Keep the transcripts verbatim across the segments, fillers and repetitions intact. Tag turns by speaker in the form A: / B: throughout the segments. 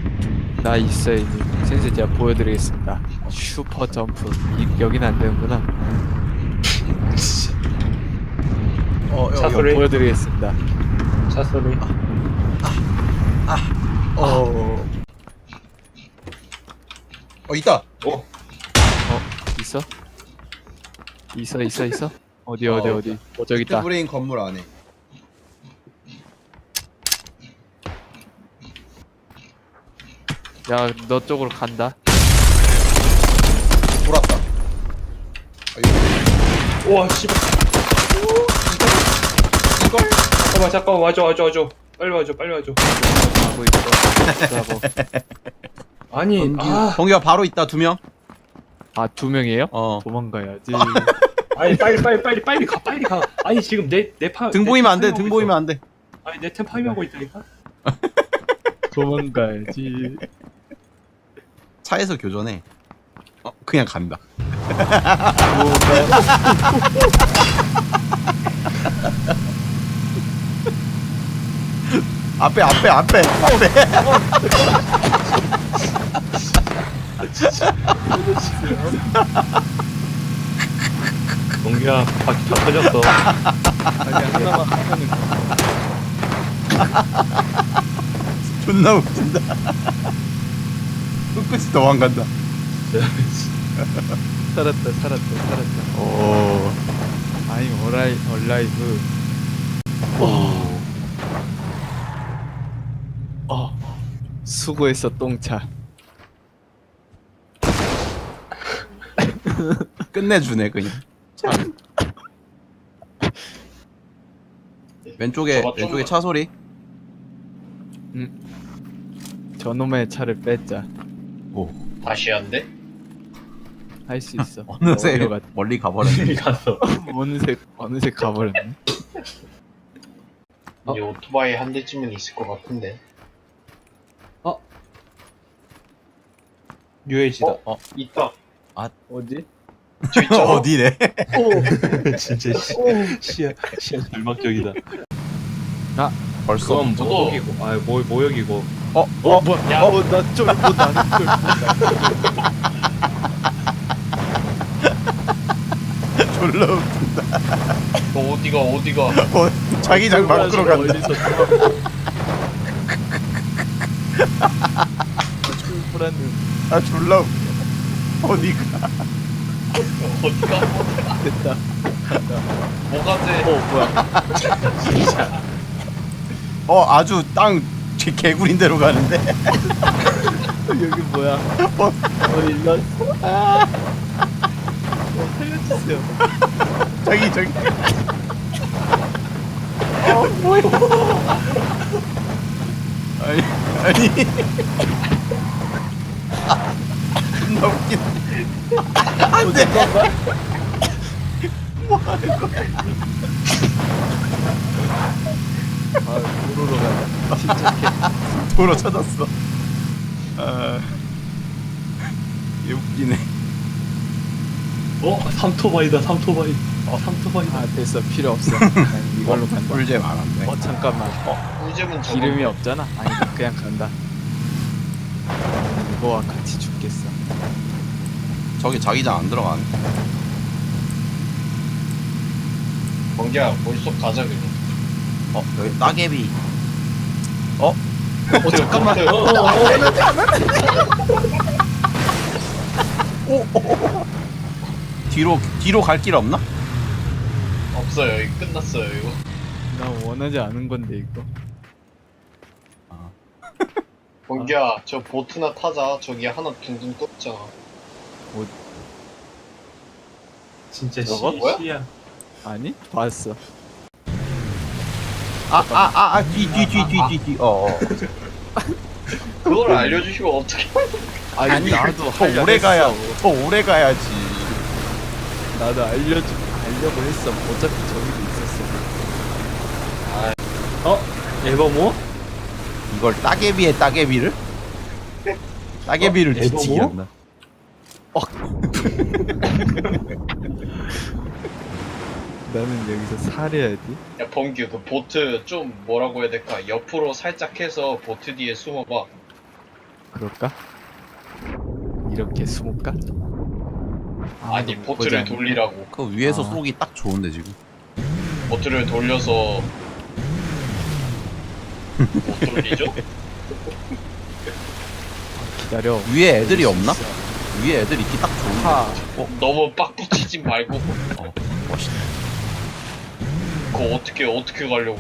A: 나 있어요 이제. 센스 제가 보여드리겠습니다. 슈퍼 점프. 이, 여기는 안 되는구나.
B: 어,
C: 차
B: 여기.
C: 소리.
A: 보여드리겠습니다.
C: 차 소리.
B: 어. 어, 있다.
C: 어?
A: 어 있어? 있어 있어 있어? 어디 어디
B: 어,
A: 어디? 어 저기 있다.
B: 브레인 건물 안에.
A: 야 너 쪽으로 간다.
B: 돌았다. 아, 이거
C: 우와 씨발.
B: 이걸?
C: 잠깐만 잠깐만 와줘 와줘 와줘. 빨리 와줘 빨리 와줘.
A: 가고 있어. 가고.
C: 아니 아
B: 동기가 바로 있다, 두 명.
A: 아두 명이에요?
B: 어.
A: 도망가야지.
C: 아니 빨리 빨리 빨리 빨리 가 빨리 가. 아니 지금 내내파
B: 등 보이면 안 돼, 등 보이면 안 돼.
C: 아니 내 템 파밍하고 있다니까.
A: 도망가야지.
B: 차에서 교전해. 어, 그냥 간다. 앞에, 앞에, 앞에, 앞에.
C: 동기야 바퀴 다 터졌어.
A: 아니 하나만 하면은
B: 존나 웃긴다. 끝끝이 도망간다.
A: 살았다 살았다 살았다.
B: 오.
A: I'm alive, alive.
B: 오.
A: 어. 수고했어 똥차.
B: 끝내주네, 그냥. 왼쪽에,
C: 저거
B: 왼쪽에
C: 좀-
B: 차 소리.
A: 저놈의 차를 뺐자.
B: 오.
C: 다시 한대?
A: 할 수 있어.
B: 어느새
A: 어디로 갔-
B: 멀리 가버렸네.
C: 갔어.
A: 어느새 어느새 가버렸네.
D: 이제 오토바이 한 대쯤은 있을 것 같은데.
C: 유해지다.
D: 어? 있다.
A: 어디?
D: 저 있잖아.
B: 어디래?
C: 진짜 시, 시야 시야 절망적이다.
B: 벌써.
C: 그건
D: 저도-
C: 모욕이고 아 모 모욕이고.
B: 어, 어,
A: 뭐야?
D: 야.
A: 어, 나 쫄, 뭐 나는 쫄.
B: 졸라 웃긴다.
D: 너 어디가 어디가?
B: 어, 자기장 밖으로 간다.
A: 어디서 출발하는
B: 아, 졸라 웃겨. 어디가?
D: 어디가?
A: 됐다.
D: 뭐가 돼?
A: 어 뭐야?
B: 어, 아주 땅 개- 개구린 데로 가는데.
A: 여기 뭐야?
B: 어,
A: 어 일로 왔어. 아. 어 살려주세요.
B: 저기, 저기. 어, 뭐야. 아니, 아니. 아, 존나 웃긴. 안 돼. 뭐 하는 거야?
A: 아 도로로 가자. 침착해.
B: 도로 찾았어. 아, 얘 웃기네.
C: 어 삼토바이다 삼토바이. 어 삼토바이다.
A: 아 됐어 필요 없어. 난 이걸로 간다.
B: 꿀잼 안 한대.
A: 어 잠깐만. 어
D: 꿀잼은 저거.
A: 기름이 없잖아. 아니 그냥 간다. 이거와 같이 죽겠어.
B: 저기 자기장 안 들어가네.
D: 번개야 물속 가자 그냥.
B: 어, 여기 따개비. 어?
A: 어 잠깐만.
D: 어, 어,
B: 오, 오, 오. 뒤로, 뒤로 갈 길 없나?
D: 없어요. 이거 끝났어요 이거.
A: 나 원하지 않은 건데 이거.
D: 번개야 저 보트나 타자. 저기 하나 둥둥 떠 있잖아.
C: 진짜
A: 저거?
C: 시,
D: 뭐야?
C: 시야.
A: 아니 봤어.
B: 아, 아, 아, 아, 뒤, 뒤, 뒤, 뒤, 뒤, 뒤. 어, 어.
D: 그걸 알려주시면 어떻게?
A: 아니,
B: 아니,
A: 나도
B: 더
A: 하려
B: 오래
A: 했어.
B: 가야, 더 오래 가야지.
A: 나도 알려주 알려고 했어. 어차피 저기도 있었어.
C: 어 에버모?
B: 이걸 따개비에 따개비를? 따개비를
C: 어?
B: 뒤치기
C: 에버모?
B: 한다.
A: 나는 여기서 살해야지.
D: 야 범규 그 보트 좀 뭐라고 해야 될까? 옆으로 살짝 해서 보트 뒤에 숨어봐.
A: 그럴까? 이렇게 숨을까?
D: 아니
A: 아무도 못
D: 보트를
A: 보지 않-
D: 돌리라고.
B: 그 위에서
A: 아.
B: 쏘기 딱 좋은데 지금.
D: 보트를 돌려서 못 돌리죠?
A: 기다려.
B: 위에 애들이 없나? 위에 애들 있기 딱 좋은데.
A: 하.
D: 너무 빡 붙이지 말고.
B: 어, 멋있다.
D: 그거 어떻게 어떻게 가려고?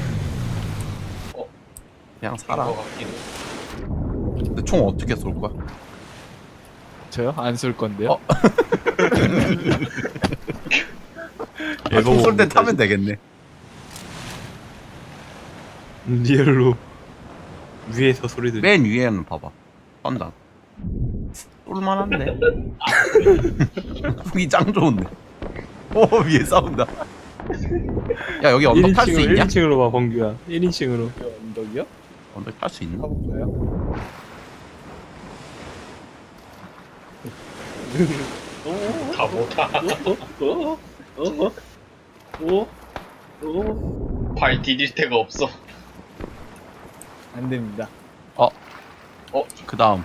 B: 그냥 살아.
D: 것 같기도.
B: 근데 총 어떻게 쏠 거야?
A: 저요? 안 쏠 건데요?
B: 어? 아, 총쏠 때 타면 되겠네.
C: 리얼로 위에서 소리 들리.
B: 맨 위에는 봐봐. 쏜다. 쏠만한데. 총이 짱 좋은데. 오 위에 싸운다. 야 여기 언덕 탈 수 있냐?
C: 일 인칭으로 봐 범규야. 일 인칭으로.
A: 언덕이요?
B: 언덕 탈 수 있나?
A: 가볼까요?
D: 다 못하.
C: 어? 어? 어? 어?
D: 발 디딜 데가 없어.
A: 안 됩니다.
B: 그 다음.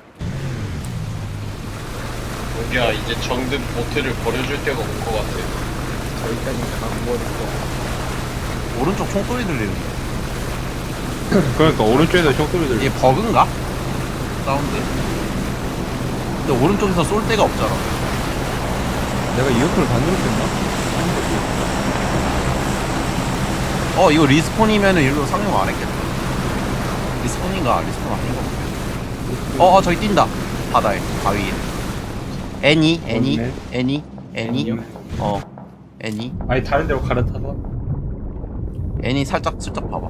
D: 여기야 이제 정든 보트를 버려줄 때가 온 것 같아.
A: 저기까지 가버리고.
B: 오른쪽 총소리 들리는데.
C: 그러니까 오른쪽에서 총 소리 들리.
B: 이게 버그인가? 사운드. 근데 오른쪽에서 쏠 데가 없잖아.
C: 내가 이어폰을 반대로 뺐나?
B: 어 이거 리스폰이면은 일로 상용 안 했겠다. 리스폰인가 리스폰 아닌 거 같아. 어, 어 저기 뛴다. 바다에 바위에. 애니 애니
C: 없네.
B: 애니 애니
A: 애니요?
B: 어 애니
C: 아니 다른 데로 갈아타서.
B: 애니 살짝 슬쩍 봐봐.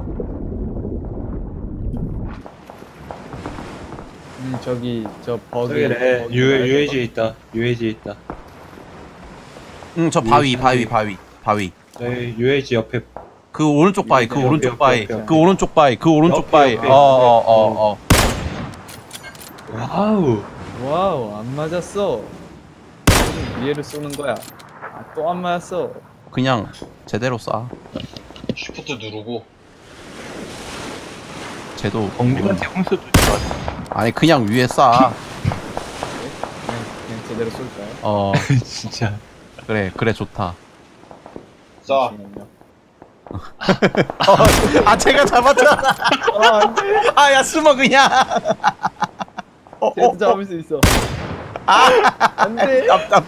A: 음 저기 저 버그.
C: 저기래.
A: 버그
C: 유
A: 말고
C: 유에이지에 있다. 유에이지에 있다.
B: 응 저 바위 바위 바위 바위.
C: 저희 유에이지 옆에.
B: 그 오른쪽 바위 그
C: 옆에,
B: 오른쪽
C: 옆에,
B: 바위
C: 옆에, 옆에.
B: 그 오른쪽 바위 그 오른쪽
C: 옆에,
B: 바위.
C: 옆에.
B: 어어 어 어.
C: 와우.
A: 와우 안 맞았어. 위에를 쏘는 거야. 아, 또 안 맞았어.
B: 그냥 제대로 쏴.
D: 쉬프트 누르고.
B: 쟤도
C: 범규한테 홍수 주지 마.
B: 아니 그냥 위에 쏴.
A: 그냥 그냥 제대로 쏠까요?
B: 어
C: 진짜.
B: 그래 그래 좋다.
D: 자,
A: 잠시만요.
B: 아 제가 잡았잖아.
A: 아 안돼.
B: 아야 숨어 그냥. 어, 어,
A: 쟤도 잡을 수 있어.
B: 아
A: 안돼.
B: 답답해.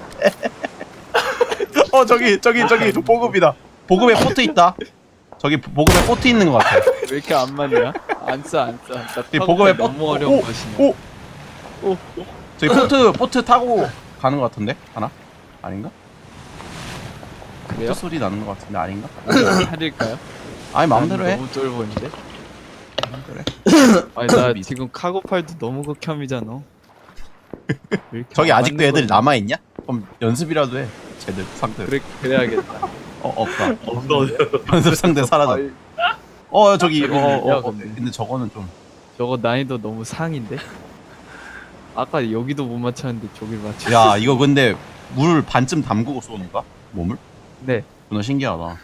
B: 어 저기 저기 저기 보급이다. 보급에 포트 있다. 저기 보급에 포트 있는 것 같아.
A: 왜 이렇게 안 맞냐? 안 써, 안 써. 나
B: 이
A: 타고
B: 보급에
A: 너무
B: 포-
A: 어려운
B: 오,
A: 것이네.
B: 오, 오. 저기 포트 포트 타고 가는 것 같은데 하나? 아닌가?
A: 그래요?
B: 포트 소리 나는 것 같은데 아닌가?
A: 할일까요?
B: 아니 마음대로
A: 난
B: 해.
A: 너무 쫄보인데?
B: 그래.
A: 아니 나 지금 카고팔도 너무 극혐이잖아. 왜 이렇게
B: 저기
A: 안
B: 아직도
A: 맞는
B: 애들
A: 거지?
B: 남아 있냐? 그럼 연습이라도 해. 쟤들 상대.
A: 그래 그래야겠다.
B: 어 없다.
C: 없어.
B: 연습 상대 사라져.
A: 아이,
B: 어 저기
A: 저기
B: 어, 어,
A: 있냐,
B: 어
A: 근데.
B: 근데 저거는 좀.
A: 저거 난이도 너무 상인데? 아까 여기도 못 맞췄는데 저길 맞췄어.
B: 야 이거 근데 물 반쯤 담그고 쏘는 거야? 몸을?
A: 네.
B: 존나 신기하다.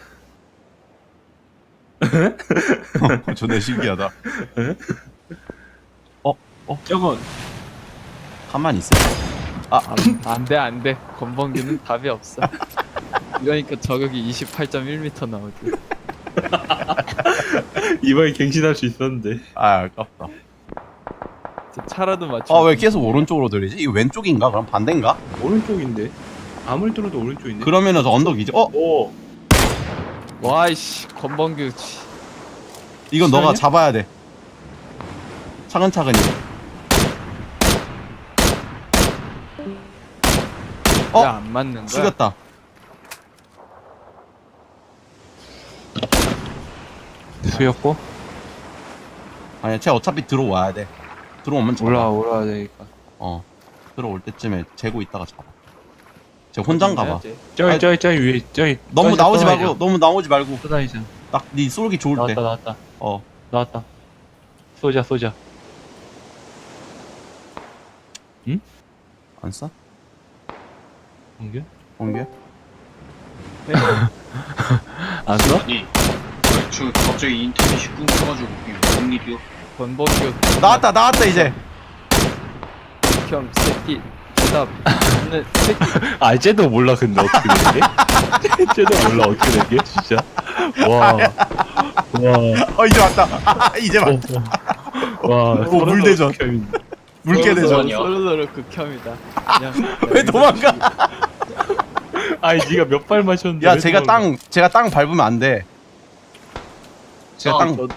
B: 존나 신기하다.
C: 저건
B: 가만히 있어.
A: 안돼 안돼. 건방규는 답이 없어. 이러니까 저격이 이십팔 점 일 미터 나오지.
C: 이번에 갱신할 수 있었는데.
B: 아 아깝다.
A: 저 차라도 맞춰.
B: 아 왜 계속 오른쪽으로 들리지? 이거 왼쪽인가? 그럼 반대인가?
C: 오른쪽인데. 아무리 들어도 오른쪽인데.
B: 그러면은 저 언덕이지. 어?
C: 오.
A: 와이씨 건방규. 씨.
B: 이건 너가
C: 시간이야?
B: 잡아야 돼. 차근차근히. 어?
A: 왜 안 맞는 거야?
B: 죽였다.
C: 수였고.
B: 아니야, 쟤 어차피 들어와야 돼. 들어오면 잡아.
C: 올라 올라야 되니까.
B: 어. 들어올 때쯤에 재고 있다가 잡아. 쟤 혼자인가 봐.
C: 저기
B: 아니,
C: 저기 저기 위에 저기.
B: 너무
C: 저기
B: 나오지
C: 떠다니자.
B: 말고, 너무 나오지 말고.
C: 떠다니자.
B: 딱 네 쏠기 좋을 때.
C: 나왔다 나왔다
B: 어.
C: 나왔다. 쏘자 쏘자.
B: 안 쏴?
C: 범규?
B: 공개?
C: 안 써?
D: 아니, 아니, 저 갑자기 인터넷이 끊겨가지고 이게 무슨 일이야?
A: 건방규.
B: 나왔다, 나왔다, 이제.
A: 극혐 새끼 대답 없는 새끼.
C: 아 쟤도 몰라 근데 어떻게 된 게? 쟤도 몰라 어떻게 된 게? 진짜 와. 와.
B: 어 이제 왔다. 아, 이제
C: 어,
B: 왔다.
C: 어. 와.
B: 오, 물대전.
C: 극혐인데.
B: 물개대전.
D: 서로
A: 서로 서로 극혐이다. 그냥
B: 왜 도망가?
C: 아니 네가 몇 발 마셨는데?
B: 야
C: 왜
B: 제가
C: 도망가?
B: 땅 제가 땅 밟으면 안 돼. 제가
D: 아,
B: 땅
A: 너,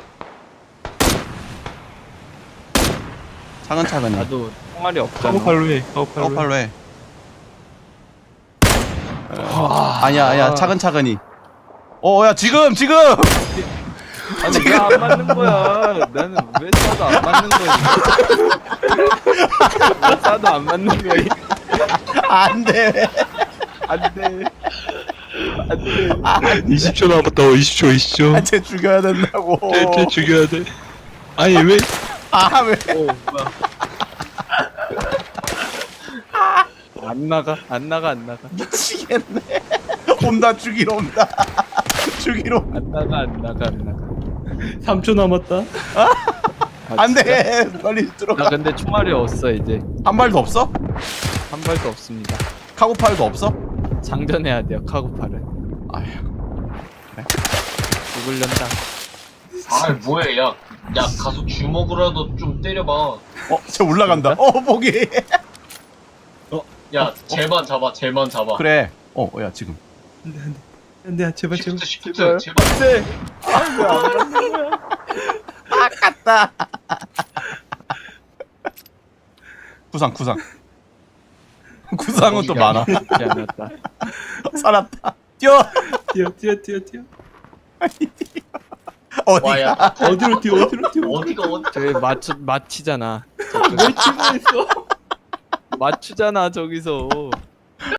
B: 차근차근히.
A: 나도 총알이 없잖아.
C: 카고팔로 해. 카고팔로. 해.
B: 카고팔로 해. 아니야 아니야 차근차근히. 어야 지금 지금.
A: 아니 왜 안 맞는 거야? 나는 왜 쏴도 안 맞는 거야? 왜 쏴도 안 맞는 거야?
B: 안돼.
A: 안돼. 안돼.
C: 이십 초 남았다. 이십 초 이십 초.
B: 쟤 죽여야 된다고.
C: 쟤, 쟤 죽여야 돼. 아니 왜?
B: 아 왜?
A: 오 뭐야? 안 나가 안 나가 안 나가
B: 미치겠네. 온다 죽이러 온다. 죽이러.
A: 안 나가 안 나가 안 나가.
C: 삼 초 남았다.
A: 아, 진짜?
B: 안돼. 빨리
A: 나
B: 들어가.
A: 근데 총알이 없어 이제
B: 한 발도 없어?
A: 한 발도 없습니다.
B: 카고팔도 없어?
A: 장전해야 돼요 카고팔은.
B: 아휴.
A: 죽을련다.
D: 아 뭐해 야. 야 가서 주먹으로라도 좀 때려봐.
B: 어, 쟤 올라간다. 어, 보기.
D: 야 쟤만 잡아 쟤만 잡아.
B: 그래. 어, 야 지금.
C: 안돼 안돼. 안돼 제발 제발.
D: 시프트 시프트 제발.
A: 안돼. 아왜안 맞는 거야?
B: 아깝다. 구상, 구상. 구상은 또 많아.
A: 죽지 않았다.
B: 살았다. 뛰어.
C: 뛰어 뛰어 뛰어 뛰어.
B: 어디가?
D: 와야
C: 어디로 뛰어 어디로 뛰어.
D: 어디가 어디.
A: 저기 맞추 맞히잖아.
C: 왜 치고 있어?
A: 맞추잖아 저기서.